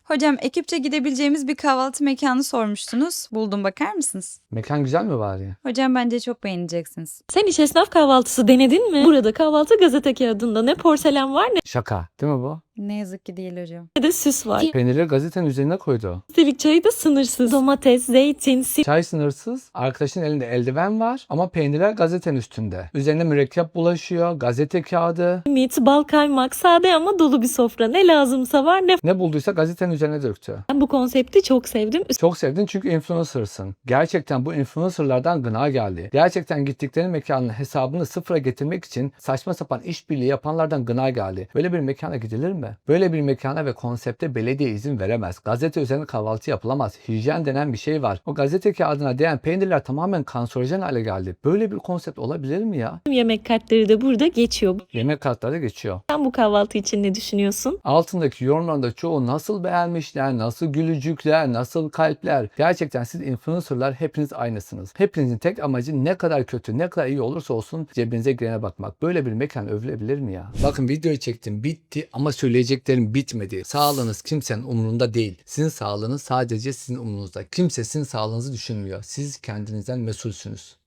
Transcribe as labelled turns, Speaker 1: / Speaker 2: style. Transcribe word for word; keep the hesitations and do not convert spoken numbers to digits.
Speaker 1: Hocam ekipçe gidebileceğimiz bir kahvaltı mekanı sormuştunuz. Buldum, bakar mısınız?
Speaker 2: Mekan güzel mi bari?
Speaker 1: Hocam bence çok beğeneceksiniz.
Speaker 3: Sen hiç esnaf kahvaltısı denedin mi? Burada kahvaltı gazete kağıdında ne porselen var
Speaker 2: Şaka. Değil mi bu?
Speaker 1: Ne yazık ki değil hocam.
Speaker 3: ne de süs var.
Speaker 2: Peynirleri gazetenin üzerine koydu.
Speaker 3: Üstelik çayı da sınırsız. Domates, zeytin,
Speaker 2: Çay sınırsız. Arkadaşın elinde eldiven var ama peynirler gazetenin üstünde. Üzerine mürekkep bulaşıyor. Gazete kağıdı.
Speaker 3: simit, bal, kaymak, sade ama dolu bir sofra. Ne lazımsa var ne.
Speaker 2: Ne bulduysa gazetenin üzerine döktü.
Speaker 3: Ben bu konsepti çok sevdim.
Speaker 2: Çok sevdin çünkü influencer'sın. Gerçekten bu influencer'lardan gına geldi. Gerçekten gittikleri mekanın hesabını sıfıra getirmek için saçma sapan işbirliği yapanlardan gına geldi. Böyle bir mekana gidilir mi? Böyle bir mekana ve konsepte belediye izin veremez. Gazete üzerine kahvaltı yapılamaz. Hijyen denen bir şey var. O gazete kağıdına değen peynirler tamamen kanserojen hale geldi. Böyle bir konsept olabilir mi ya?
Speaker 3: Yemek kartları da burada geçiyor.
Speaker 2: Yemek kartları geçiyor.
Speaker 3: Sen bu kahvaltı için ne düşünüyorsun?
Speaker 2: Altındaki yorumların da çoğu nasıl beğenmişler, nasıl gülücükler, nasıl kalpler. Gerçekten siz influencerlar hepiniz aynısınız. Hepinizin tek amacı ne kadar kötü, ne kadar iyi olursa olsun cebinize girene bakmak. Böyle bir mekan övülebilir mi ya? Bakın videoyu çektim, bitti ama söyleyeceklerim bitmedi. Sağlığınız kimsenin umurunda değil. Sizin sağlığınız sadece sizin umurunuzda. Kimse sizin sağlığınızı düşünmüyor. Siz kendinizden mesulsünüz.